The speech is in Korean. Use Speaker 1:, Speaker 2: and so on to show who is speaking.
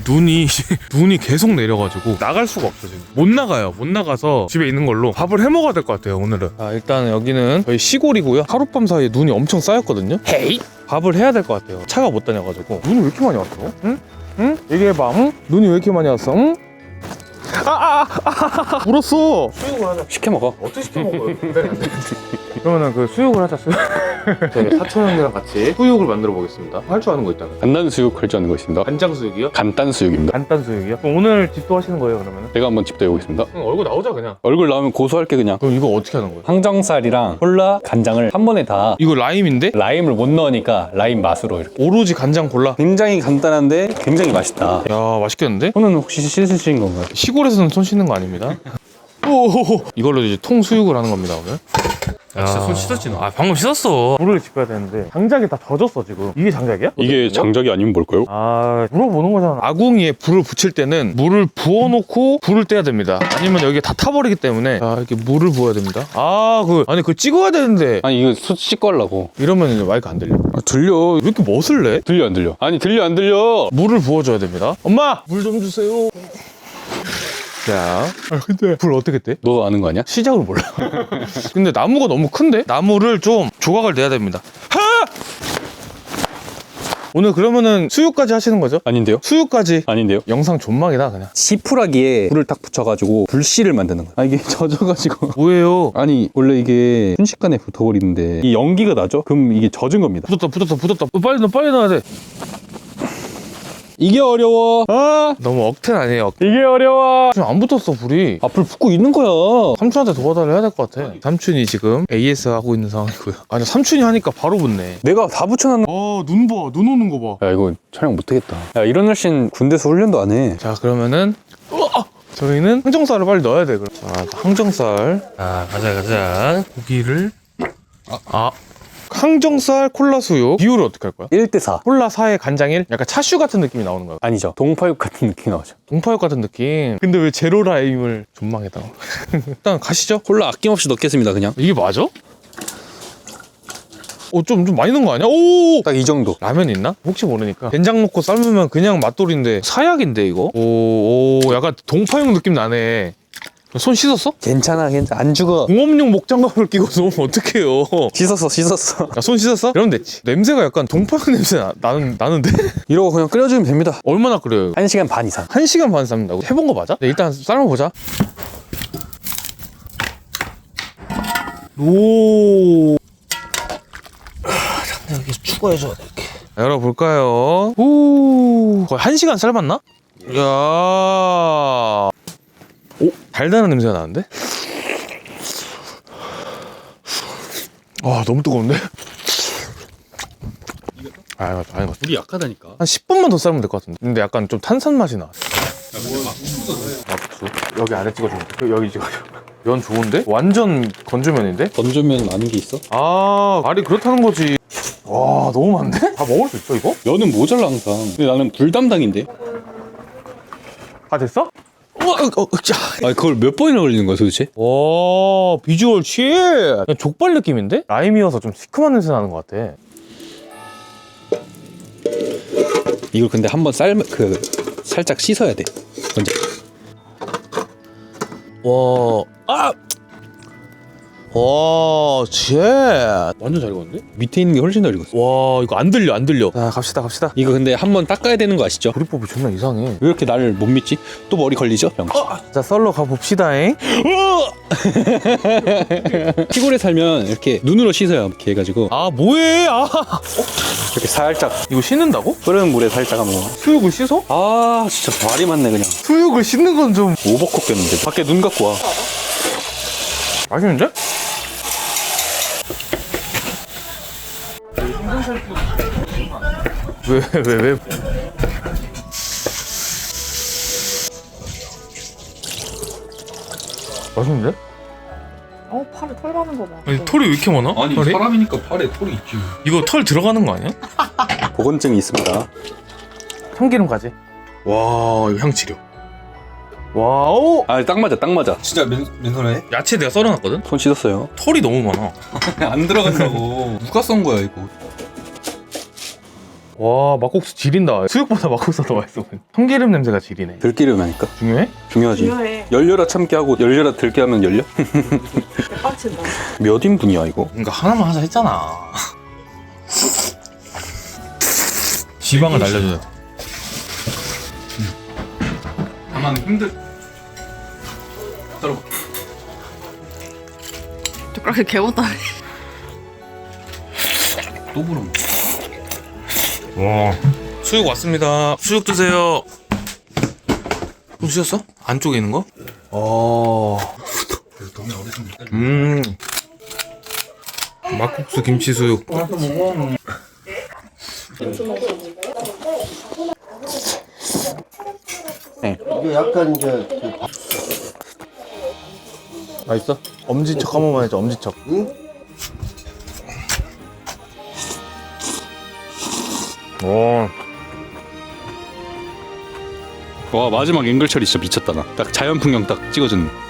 Speaker 1: 눈이 계속 내려가지고 나갈 수가 없어 지금. 못 나가요. 못 나가서 집에 있는 걸로 밥을 해 먹어야 될 것 같아요 오늘은. 자, 일단 여기는 저희 시골이고요. 하룻밤 사이에 눈이 엄청 쌓였거든요. 헤이! 밥을 해야 될 것 같아요. 차가 못 다녀가지고. 눈이 왜 이렇게 많이 왔어? 응? 응? 얘기해봐. 응? 눈이 왜 이렇게 많이 왔어? 응? 울었어. 수육을 하자.
Speaker 2: 시켜 먹어.
Speaker 1: 어떻게 시켜 먹어요? 그러면은 그 수육을 하자. 저희 사촌 형이랑 같이 수육을 만들어 보겠습니다. 할 줄 아는 거 있다면?
Speaker 2: 간단 수육 할 줄 아는 거 있습니다.
Speaker 1: 간장 수육이요?
Speaker 2: 간단 수육입니다.
Speaker 1: 간단 수육이요? 그럼 오늘 집도 하시는 거예요 그러면은?
Speaker 2: 제가 한번 집도 해보겠습니다.
Speaker 1: 얼굴 나오자 그냥.
Speaker 2: 얼굴 나오면 고소할게 그냥.
Speaker 1: 그럼 이거 어떻게 하는 거예요?
Speaker 2: 항정살이랑 콜라, 간장을 한 번에 다
Speaker 1: 이거 라임인데?
Speaker 2: 라임을 못 넣으니까 라임 맛으로 이렇게.
Speaker 1: 오로지 간장 골라?
Speaker 2: 굉장히 간단한데 굉장히 맛있다.
Speaker 1: 야 맛있겠는데?
Speaker 2: 손은 혹시 씻으신 건가요?
Speaker 1: 시골에서는 손 씻는 거 아닙니다. 오, 이걸로 이제 통 수육을 하는 겁니다 오늘.
Speaker 3: 진짜 손 씻었지 너? 아 방금 씻었어.
Speaker 1: 물을 짚어야 되는데 장작이 다 젖었어 지금. 이게 장작이야?
Speaker 2: 이게 장작이 아니면 뭘까요?
Speaker 1: 아 물어보는 거잖아. 아궁이에 불을 붙일 때는 물을 부어놓고 불을 떼야 됩니다. 아니면 여기 다 타버리기 때문에 이렇게 물을 부어야 됩니다. 아니 그걸 찍어야 되는데
Speaker 2: 아니 이거 숯 씻고 하려고.
Speaker 1: 이러면 이제 마이크 안 들려.
Speaker 2: 들려.
Speaker 1: 왜 이렇게 멋을 내?
Speaker 2: 들려 안 들려? 아니 들려 안 들려?
Speaker 1: 물을 부어줘야 됩니다. 엄마 물 좀 주세요. 자, 근데 불 어떻게 떼?
Speaker 2: 너 아는 거 아니야?
Speaker 1: 시작을 몰라. 근데 나무가 너무 큰데? 나무를 좀 조각을 내야 됩니다. 하! 오늘 그러면은 수육까지 하시는 거죠?
Speaker 2: 아닌데요?
Speaker 1: 수육까지.
Speaker 2: 아닌데요?
Speaker 1: 영상 존망이다 그냥.
Speaker 2: 지푸라기에 불을 딱 붙여가지고 불씨를 만드는 거야. 아 이게 젖어가지고.
Speaker 1: 뭐예요?
Speaker 2: 아니 원래 이게 순식간에 붙어버리는데 이 연기가 나죠? 그럼 이게 젖은 겁니다.
Speaker 1: 붙었다. 빨리 넣어야 돼.
Speaker 2: 이게 어려워.
Speaker 1: 너무 억텐 아니에요?
Speaker 2: 이게 어려워.
Speaker 1: 지금 안 붙었어 불이.
Speaker 2: 불 붙고 있는 거야.
Speaker 1: 삼촌한테 도와달라 해야 될 것 같아. 삼촌이 지금 AS 하고 있는 상황이고요. 아니 삼촌이 하니까 바로 붙네.
Speaker 2: 내가 다 붙여놨는.
Speaker 1: 눈 봐. 눈 오는 거 봐.
Speaker 2: 야 이거 촬영 못하겠다. 야 이런 날씨는 군대에서 훈련도 안 해.
Speaker 1: 자 그러면은 저희는 항정살을 빨리 넣어야 돼. 그럼. 자 항정살.
Speaker 3: 가자. 고기를
Speaker 1: 항정살 콜라 수육 비율을 어떻게 할 거야?
Speaker 2: 1대4.
Speaker 1: 콜라 4에 간장 1? 약간 차슈 같은 느낌이 나오는 거야.
Speaker 2: 아니죠. 동파육 같은 느낌이 나오죠.
Speaker 1: 동파육 같은 느낌. 근데 왜 제로 라임을 존망이다. 일단 가시죠.
Speaker 2: 콜라 아낌없이 넣겠습니다 그냥.
Speaker 1: 이게 맞아? 좀 많이 넣은 거 아니야? 오!
Speaker 2: 딱 이 정도.
Speaker 1: 라면 있나? 혹시 모르니까 된장 넣고 삶으면 그냥 맛돌인데 사약인데 이거? 오 약간 동파육 느낌 나네. 손 씻었어?
Speaker 2: 괜찮아. 안 죽어.
Speaker 1: 공업용 목장갑을 끼고 놓으면 어떡해요.
Speaker 2: 씻었어.
Speaker 1: 손 씻었어? 이러면 됐지. 냄새가 약간 동파육 냄새 나는데?
Speaker 2: 이러고 그냥 끓여주면 됩니다.
Speaker 1: 얼마나 끓여요?
Speaker 2: 1시간 반 이상.
Speaker 1: 1시간 반 삶는다고? 해본 거 맞아? 네, 일단 삶아보자. 오.
Speaker 3: 잠깐 여기 추가해줘야 돼 이렇게.
Speaker 1: 열어볼까요? 오. 거의 1시간 삶았나? 이야. 오, 달달한 냄새가 나는데? 너무 뜨거운데? 아니,
Speaker 2: 물이 약하다니까.
Speaker 1: 한 10분만 더 삶으면 될 것 같은데. 근데 약간 좀 탄산 맛이 나. 막국수. 여기 안에 찍어주면 돼. 여기 찍어줘. 면 좋은데? 완전 건조면인데?
Speaker 2: 건조면 아는 게 있어?
Speaker 1: 말이 그렇다는 거지. 와, 너무 많은데? 다 먹을 수 있어, 이거?
Speaker 2: 면은 모자라 항상. 근데 나는 불 담당인데.
Speaker 1: 다 됐어?
Speaker 2: 아 그걸 몇 번이나 걸리는 거야 도대체?
Speaker 1: 와, 비주얼 쉣! 그냥 족발 느낌인데? 라임이어서 좀 시큼한 냄새 나는 것 같아.
Speaker 2: 이걸 근데 한번 살짝 씻어야 돼. 먼저.
Speaker 1: 와, 쉣! 완전 잘 익었는데?
Speaker 2: 밑에 있는 게 훨씬 더 익었어.
Speaker 1: 와, 이거 안 들려. 자, 갑시다.
Speaker 2: 이거 근데 한번 닦아야 되는 거 아시죠?
Speaker 1: 조리법이 존나 이상해.
Speaker 2: 왜 이렇게 나를 못 믿지? 또 머리 걸리죠? 병신.
Speaker 1: 자, 썰러 가봅시다잉.
Speaker 2: 시골에 살면 이렇게 눈으로 씻어요. 이렇게 해가지고
Speaker 1: 뭐해?
Speaker 2: 이렇게 살짝
Speaker 1: 이거 씻는다고?
Speaker 2: 끓는 물에 살짝 한번.
Speaker 1: 수육을 씻어?
Speaker 2: 진짜 말이 많네 그냥.
Speaker 1: 수육을 씻는 건 좀
Speaker 2: 오버콕 됐는데. 밖에 눈 갖고 와.
Speaker 1: 맛있는데? 왜? 맛있는데?
Speaker 4: 팔에 털 가는 거 봐.
Speaker 1: 아니 털이 왜 이렇게 많아? 털이?
Speaker 2: 사람이니까 팔에 털이 있지.
Speaker 1: 이거 털 들어가는 거 아니야?
Speaker 2: 보건증이 있습니다.
Speaker 1: 참기름 가지. 와, 이거 향치료. 와우.
Speaker 2: 딱 맞아.
Speaker 3: 진짜 맨손에?
Speaker 1: 야채 내가 썰어놨거든?
Speaker 2: 손 씻었어요.
Speaker 1: 털이 너무 많아.
Speaker 3: 안 들어간다고. 누가 썬 거야 이거?
Speaker 1: 와 막국수 지린다. 수육보다 막국수가 더 맛있어. 참기름 냄새가 지리네.
Speaker 2: 들기름 하니까
Speaker 1: 중요해?
Speaker 2: 중요하지.
Speaker 4: 중요해.
Speaker 2: 열려라 참기 하고 열려라 들기 하면 열려?
Speaker 4: 빡친다.
Speaker 2: 몇 인분이야 이거?
Speaker 3: 그러니까 하나만 하자 했잖아.
Speaker 1: 지방을 날려줘야 돼.
Speaker 3: 다만 힘들.
Speaker 4: 젓가락에 개못다.
Speaker 3: 또 부름.
Speaker 1: 와 수육 왔습니다. 수육 드세요. 좀 씻었어? 안쪽에 있는 거? 막국수 김치 수육.
Speaker 5: 이게 약간 이제
Speaker 1: 맛있어? 엄지척 한 번만 해줘. 엄지척.
Speaker 5: 응?
Speaker 1: 오.
Speaker 2: 와 마지막 앵글 처리 진짜 미쳤다 나. 딱 자연 풍경 딱 찍어주는.